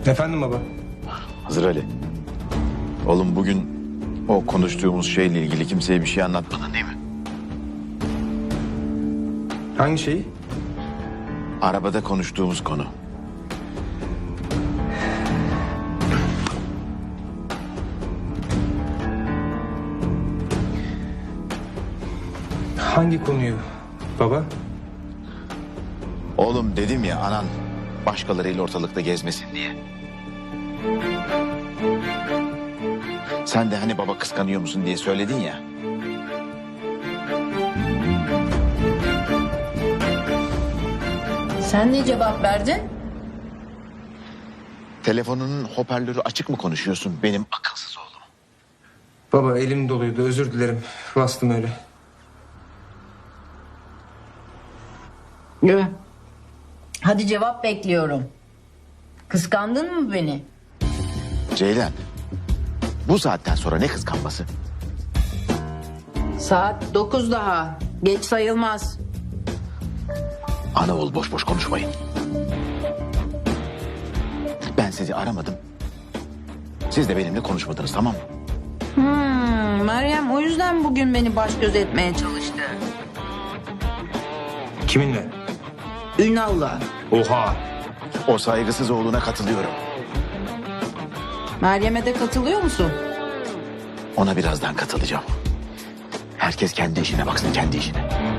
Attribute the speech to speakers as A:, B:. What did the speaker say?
A: Efendim baba?
B: Hazır Ali. Oğlum bugün o konuştuğumuz şeyle ilgili kimseye bir şey anlatmadın değil mi?
A: Hangi şeyi?
B: Arabada konuştuğumuz konu.
A: Hangi konuyu baba?
B: Oğlum dedim ya anan başkalarıyla ortalıkta gezmesin diye. Sen de hani baba kıskanıyor musun diye söyledin ya.
C: Sen ne cevap verdin?
B: Telefonunun hoparlörü açık mı konuşuyorsun benim akılsız oğlum?
A: Baba elim doluydu, özür dilerim. Bastım öyle.
C: Hadi cevap bekliyorum. Kıskandın mı beni?
B: Ceylan, bu saatten sonra ne kıskanması?
C: Saat 9 daha. Geç sayılmaz.
B: Ana oğul boş boş konuşmayın. Ben sizi aramadım. Siz de benimle konuşmadınız, tamam mı?
C: Meryem o yüzden bugün beni baş göz etmeye çalıştı.
A: Kiminle?
C: Ünal'la.
A: Oha!
B: O saygısız oğluna katılıyorum.
C: Meryem'e de katılıyor musun?
B: Ona birazdan katılacağım. Herkes kendi işine baksın, kendi işine.